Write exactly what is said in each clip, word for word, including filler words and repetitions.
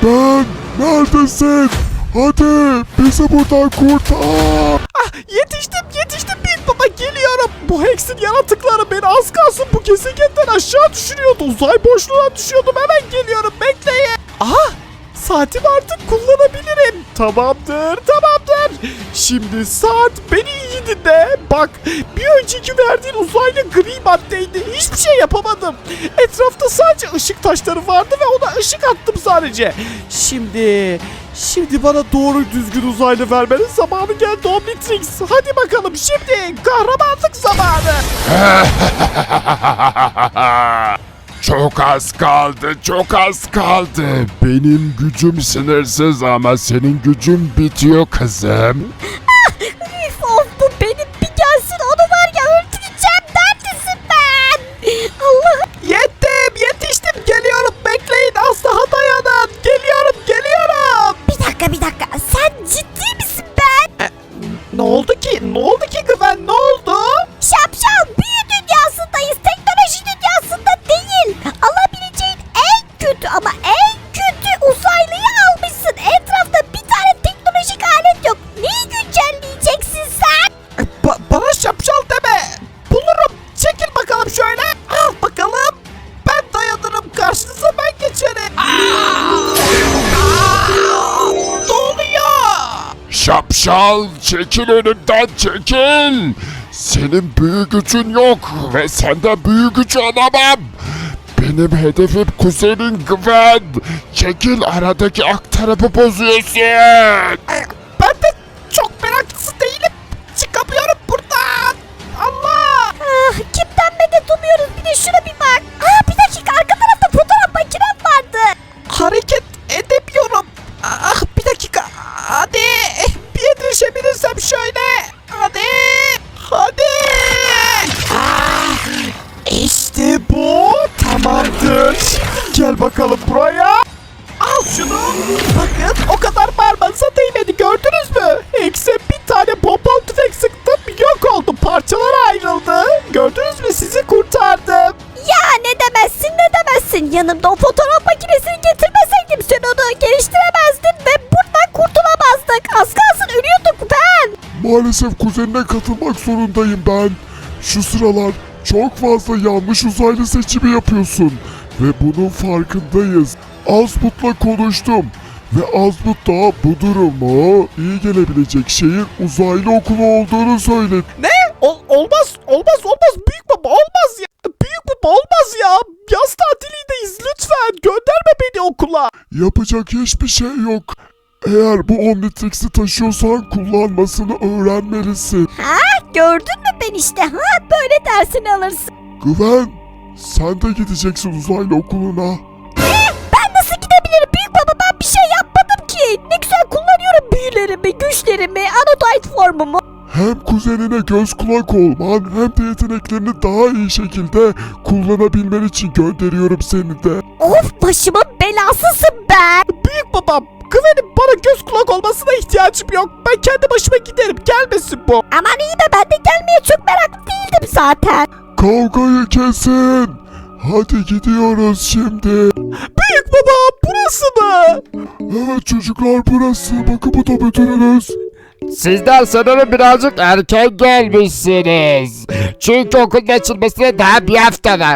Ben neredesin? Hadi bizi buradan kurtar. Ah, yetiştim yetiştim Büyük Baba, geliyorum. Bu Hex'in yaratıkları beni az kalsın bu gezegenden aşağı düşürüyordu. Uzay boşluğuna düşüyordum, hemen geliyorum, bekleyin. Aha, saatim artık kullanabilirim. Tamamdır tamamdır. Şimdi saat, beni iyi dinle. Bak, bir önceki verdiğin uzaylı gri maddeydi. Hiçbir şey yapamadım. Etrafta sadece ışık taşları vardı ve ona ışık attım sadece. Şimdi... Şimdi bana doğru düzgün uzaylı vermenin zamanı geldi Omnitrix. Hadi bakalım, şimdi kahramanlık zamanı. Çok az kaldı, çok az kaldı. Benim gücüm sınırsız ama senin gücün bitiyor kızım. Üf, of, bu benim bir gelsin, onu var ya öldüreceğim. Neredesin ben? Allah'ım. Yettim, yetiştim, geliyorum, bekleyin, az daha dayanın. Geliyorum, geliyorum. Bir dakika bir dakika, sen ciddi misin ben? Ne oldu ki? Ne oldu ki Güven? Ne oldu? Şapşal, büyü dünyasındayız, teknoloji dünyasında değil. Alabileceğin en kötü ama en kötü uzaylıyı almışsın. Etrafta bir tane teknolojik alet yok. Neyi güncelleyeceksin sen? Ba- bana şapşal deme. Bulurum. Çekil bakalım şöyle. Al bakalım. Ben dayanırım. Karşınıza ben geçerim. Aa! Aa! Ne oluyor? Şapşal, çekil önümden, çekil. Senin büyü gücün yok ve senden büyü gücü alamam. Benim hedefim kuzenin Gwen. Çekil, aradaki aktarımı bozuyorsun. Ben de çok meraklısı değilim. Çıkamıyorum buradan. Allah. Ah, kimden medet umuyoruz, bir de şuna bir bak. Aa, bir dakika, arka tarafta fotoğraf makinem vardı. Hareket edemiyorum. Ah, bir dakika. Hadi. Bir yetişebilirsem şöyle. Hadi. Hadi. Ah, işte bu. Tamamdır. Şimdi gel bakalım buraya. Al şunu. Bakın, o kadar parmağınıza değmedi, gördünüz mü? Hex'e bir tane pompalı tüfek sıktım, yok oldu, parçalara ayrıldı. Gördünüz mü, sizi kurtardım. Ya ne demezsin ne demezsin. Yanımda o fotoğraf makinesini getirmeseydim sen onu geliştiremezdin ve buradan kurtulamazdık. Az kalsın ölüyorduk ben. Maalesef kuzenine katılmak zorundayım ben. Şu sıralar çok fazla yanlış uzaylı seçimi yapıyorsun. Ve bunun farkındayız. Azmut'la konuştum. Ve Azmut da bu durumu iyi gelebilecek şeyin uzaylı okulu olduğunu söyledi. Ne? Ol- olmaz, olmaz, olmaz. Büyük baba, olmaz ya. Büyük baba, olmaz ya. Yaz tatilindeyiz, lütfen. Gönderme beni okula. Yapacak hiçbir şey yok. Eğer bu Omnitrix'i taşıyorsan kullanmasını öğrenmelisin. Ha, gördün mü ben işte. Ha, böyle dersini alırsın. Güven, sen de gideceksin uzaylı okuluna. Ben nasıl gidebilirim büyük baba, ben bir şey yapmadım ki. Ne güzel kullanıyorum büyülerimi, güçlerimi, anodite formumu. Hem kuzenine göz kulak olman hem de yeteneklerini daha iyi şekilde kullanabilmen için gönderiyorum seni de. Of, başımın belasısın ben. Büyük babam, Güven'in bana göz kulak olmasına ihtiyacım yok. Ben kendi başıma giderim, gelmesin bu. Aman iyi be, ben de gelmeye çok meraklı değildim zaten. Kavgayı kesin. Hadi gidiyoruz şimdi. Büyük baba, burası mı? Evet çocuklar, burası. Bakın, bu da müdürünüz. Sizler sanırım birazcık erken gelmişsiniz. Çünkü okulun açılmasına daha bir hafta var.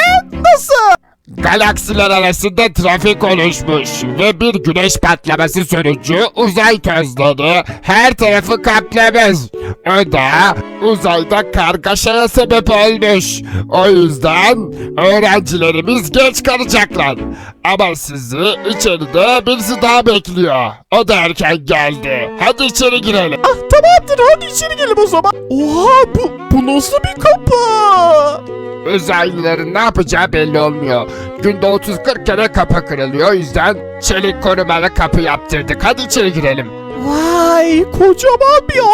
Nasıl? Galaksiler arasında trafik oluşmuş ve bir güneş patlaması sonucu uzay tozları her tarafı kaplamış. O da uzayda kargaşaya sebep olmuş. O yüzden öğrencilerimiz geç kalacaklar. Ama sizi içeride birisi daha bekliyor. O da erken geldi. Hadi içeri girelim. Ah, tamamdır, hadi içeri gelin o zaman. Oha, bu, bu nasıl bir kapı? Uzaylıların ne yapacağı belli olmuyor. Günde otuz kırk kere kapı kırılıyor. O yüzden çelik korumalı kapı yaptırdık. Hadi içeri girelim. Vay, kocaman bir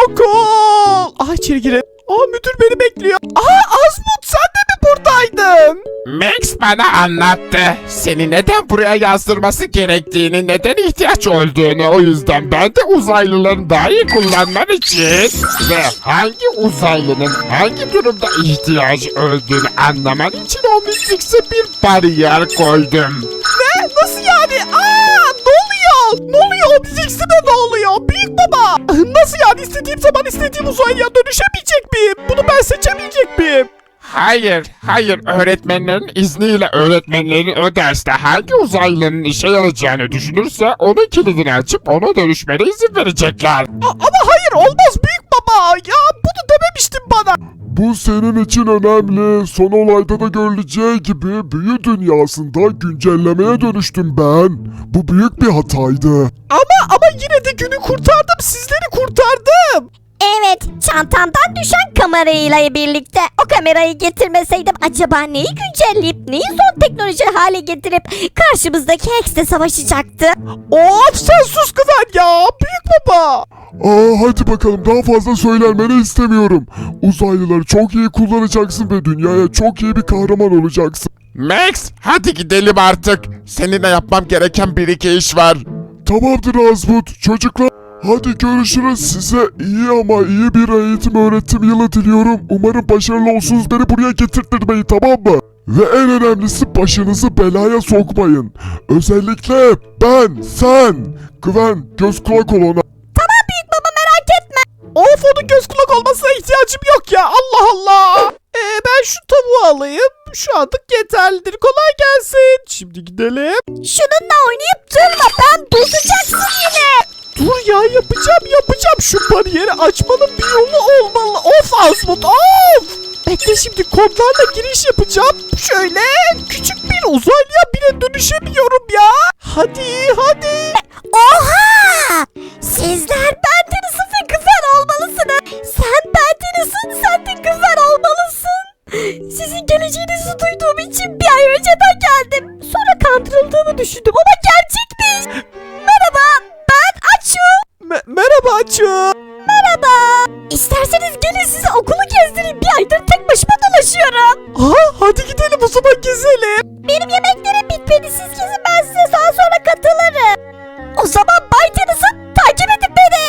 okul. Ah, içeri girelim. Aa, müdür beni bekliyor. Aa, Azmut, sen de mi buradaydın? Max bana anlattı. Seni neden buraya yazdırması gerektiğini, neden ihtiyaç olduğunu. O yüzden ben de uzaylıların daha iyi kullanman için ve hangi uzaylının hangi durumda ihtiyacı olduğunu anlaman için Omnitrix'e bir bariyer koydum. Ne? Nasıl yani? Aa, ne ne oluyor büyük baba? Nasıl yani istediğim zaman istediğim uzaylıya dönüşemeyecek miyim? Bunu ben seçemeyecek miyim? Hayır, hayır. Öğretmenlerin izniyle öğretmenlerin o derste hangi uzaylının işe yarayacağını düşünürse onun kilidini açıp ona dönüşmene izin verecekler. A- ama hayır olmaz büyük baba. Ya bunu dememiştin bana. Bu senin için önemli. Son olayda da görüleceği gibi büyü dünyasında güncellemeye dönüştüm ben. Bu büyük bir hataydı. Ama ama yine de günü kurtardım. Sizleri kurtardım. Evet, çantamdan düşen kamerayla birlikte o kamerayı getirmeseydim acaba neyi güncelleyip neyi son teknoloji hale getirip karşımızdaki Hex'le savaşacaktı? Of sen sus Güven ya büyük baba. Aa, hadi bakalım, daha fazla söylenmeni istemiyorum. Uzaylıları çok iyi kullanacaksın ve dünyaya çok iyi bir kahraman olacaksın. Max, hadi gidelim artık. Seninle yapmam gereken bir iki iş var. Tamamdır Azmut. Çocuklar, hadi görüşürüz. Size iyi ama iyi bir eğitim öğretim yılı diliyorum. Umarım başarılı olsunuz. Beni buraya getirtmeyin, tamam mı? Ve en önemlisi, başınızı belaya sokmayın. Özellikle ben, sen. Güven, göz kulak ol ona. Tamam büyük baba, merak etme. Of onun göz kulak olmasına ihtiyacım yok ya Allah Allah. Ee, ben şu tavuğu alayım. Şu anlık yeterlidir. Kolay gelsin. Şimdi gidelim. Şununla oynayıp durma, ben bozacaksın yine. Dur ya yapacağım yapacağım. Şu bariyeri açmanın bir yolu olmalı. Of Azmut of. Bekle şimdi kodlarla giriş yapacağım. Şöyle küçük bir uzaylıya bile dönüşemiyorum ya. Hadi hadi. Oha! Sizler Bentenus'un ve Güven olmalısınız. Sen Bentenus'un, sen de Güven olmalısın. Sizin geleceğinizi duyduğum için bir ay önceden geldim. Sonra kandırıldığımı düşündüm ama gerçekmiş. Merhaba, ben Açu. Me- merhaba Açı. Merhaba. İsterseniz gelin size okulu gezdireyim. Bir aydır tek başıma dolaşıyorum. Aha, hadi gidelim o zaman gezelim. Benim yemeklerim bitmedi. Siz gezin, ben size daha sonra katılırım. O zaman Bay Tennyson, takip edin beni.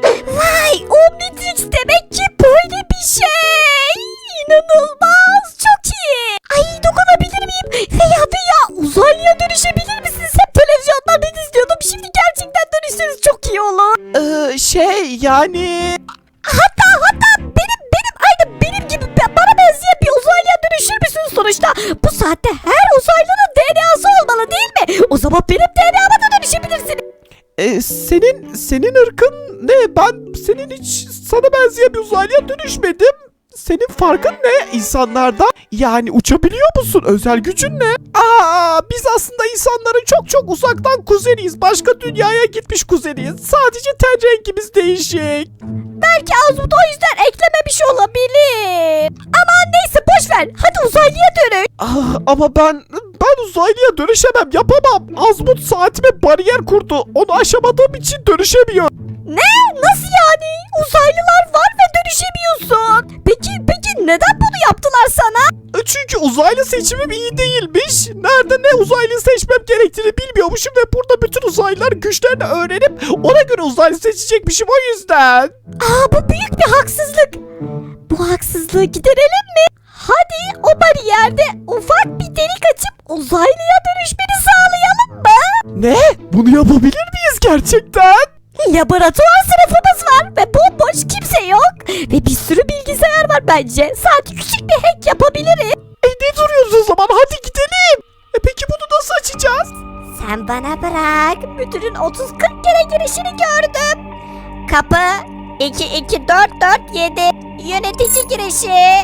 Vay, Omnitrix demek ki böyle bir şey. İnanılmaz, çok iyi. Ay, dokunabilir miyim? Veya veya uzaylıya dönüşebilir misiniz? Hep televizyonlardan izliyordum. Şimdi gerçekten dönüşseniz çok iyi olur. Ee, şey yani... Hatta hatta benim benim aynı benim gibi be- bana benzeyen bir uzaylıya dönüşür müsünüz sonuçta? Bu saatte her uzaylının D N A'sı olmalı değil mi? O zaman benim D N A'ma da dönüşebilirsiniz. Ee, senin senin ırkın ne? Ben senin hiç sana benzeyen bir uzaylıya dönüşmedim. Senin farkın ne insanlardan? Yani uçabiliyor musun? Özel gücün ne? Aa, biz aslında insanların çok çok uzaktan kuzeniyiz. Başka dünyaya gitmiş kuzeniyiz. Sadece ten rengimiz değişik. Belki Azmut o yüzden eklememiş olabilir. Aman neyse, boş ver. Hadi uzaylıya dönün. Ah, ama ben ben uzaylıya dönüşemem, yapamam. Azmut saatime bariyer kurdu. Onu aşamadığım için dönüşemiyorum. Ne? Nasıl yani? Uzaylılar var ve dönüşemiyorsun. Peki peki neden bunu yaptılar sana? E, Çünkü uzaylı seçimim iyi değilmiş. Nerede ne uzaylı seçmem gerektiğini bilmiyormuşum ve burada bütün uzaylılar güçlerini öğrenip ona göre uzaylı seçecekmişim o yüzden. Aa, bu büyük bir haksızlık. Bu haksızlığı giderelim mi? Hadi o bariyerde ufak bir delik açıp uzaylıya dönüşmeni sağlayalım mı? Ne? Bunu yapabilir miyiz gerçekten? Laboratuvar sınıfımız var ve bomboş, kimse yok. Ve bir sürü bilgisayar var bence. Sadece küçük bir hack yapabiliriz. E ne duruyoruz o zaman? Hadi gidelim. E peki bunu nasıl açacağız? Sen bana bırak. Müdürün otuz kırk kere girişini gördüm. Kapı iki iki dört dört yedi. Yönetici girişi.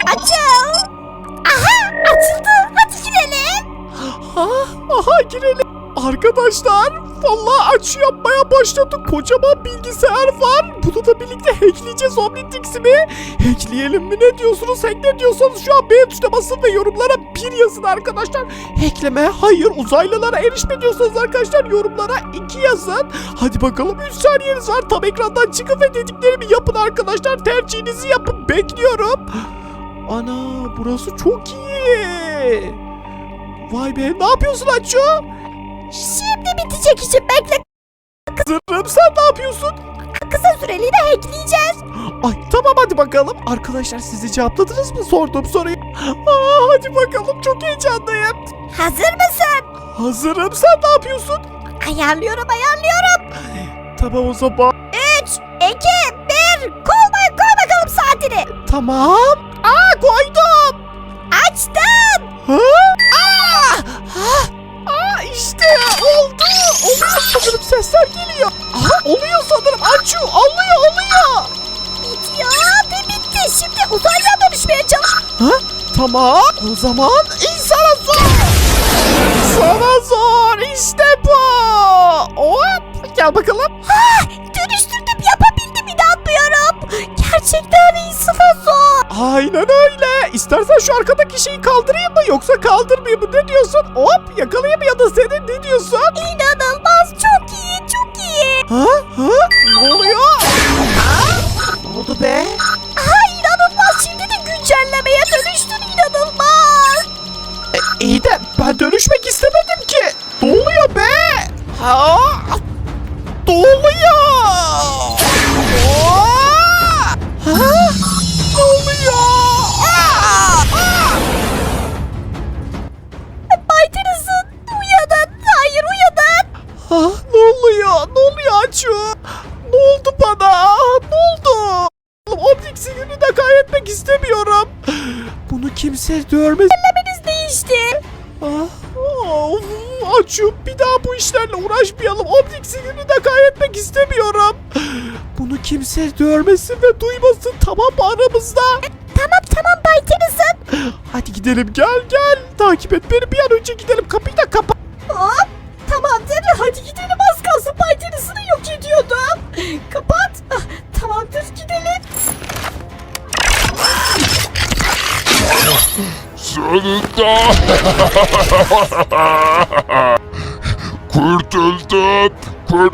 Açıl. Aha, açıldı. Hadi girelim. Ha, aha girelim. Arkadaşlar vallahi açı yapmaya başladık. Kocaman bilgisayar var. Bunu da birlikte hackleyeceğiz Omnitrix'i mi? Hackleyelim mi? Ne diyorsunuz? Hack ne diyorsanız şu an beğen tuşuna basın ve yorumlara bir yazın arkadaşlar. Hackleme hayır, uzaylılara erişme diyorsanız arkadaşlar yorumlara iki yazın. Hadi bakalım, üç saniyeniz var. Tam ekrandan çıkın ve dediklerimi yapın arkadaşlar. Tercihinizi yapın. Bekliyorum. Ana, burası çok iyi. Vay be, ne yapıyorsun Açu? Şimdi bitecek işim, bekle. Zırhım, sen ne yapıyorsun? Kısa süreliğine hackleyeceğiz. Ay tamam, hadi bakalım. Arkadaşlar siz de cevapladınız mı sorduğum soruyu? Aa, hadi bakalım, çok heyecanlıyım. Hazır mısın? Hazırım, sen ne yapıyorsun? Ayarlıyorum ayarlıyorum. Tamam o zaman. üç, iki, bir. Koy, koy bakalım saatini. Tamam. Aa koydum. Açtım. Ha? Aa! Ha? Aa işte oldu. Oluyor sanırım, sesler geliyor. Aha oluyor sanırım. Açıyor. Alıyor alıyor. Bitiyor ve bitti. Şimdi uzaylıya dönüşmeye çalış. Ha? Tamam. O zaman insana zor. Sana zor. İşte bu. Hop. Gel bakalım. Ha, dönüştürdüm, yapabildim, inanmıyorum. Gerçekten insana zor. Aynen öyle. İstersen şu arkadaki şeyi kaldırayım mı yoksa kaldırmayayım mı? Ne diyorsun? Hop yakalayayım ya da senin ne diyorsun? İnanılmaz, çok iyi, çok iyi. Ha? Ha? Ne oluyor? Ha? Ne oldu be? Ha, inanılmaz, şimdi de güncellemeye dönüştün, inanılmaz. E, iyi de ben dönüşmek istemedim ki. Ne oluyor be? Ha? Ne oluyor? Aa! Ha? Ne oluyor? Aa! Aa! Bay Tennyson, uyanın, hayır uyanın. Ah, ne oluyor? Ne oluyor Açu? Ne oldu bana? Ne oldu? Optik sinirini de kaybetmek istemiyorum. Bunu kimse görmez. Güncellemeniz değişti. Ah, of, Açu, bir daha bu işlerle uğraşmayalım. Optik sinirini de kaybetmek istemiyorum. Bunu kimse görmesin ve duymasın, tamam mı, aramızda? Tamam tamam Bay Tennyson. Hadi gidelim, gel gel. Takip et beni, bir an önce gidelim. Kapıyı da kapat. Hop, tamamdır, hadi gidelim, az kalsın Bay Tennyson'ı yok ediyordum. Kapat. Ah, tamamdır, gidelim. Sonunda kurtuldum. Kur...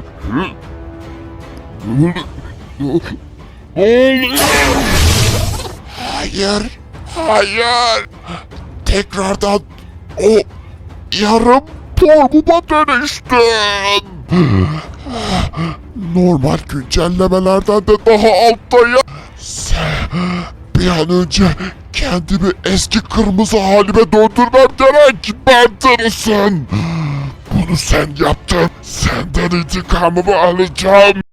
Ne oluyor? Hayır, hayır. Tekrardan o yarım formuma dönüştüm. Normal güncellemelerden de daha alttayım. Sen bir an önce kendimi eski kırmızı halime döndürmem gerek. Ben tanısın. Bunu sen yaptın. Senden intikamımı alacağım.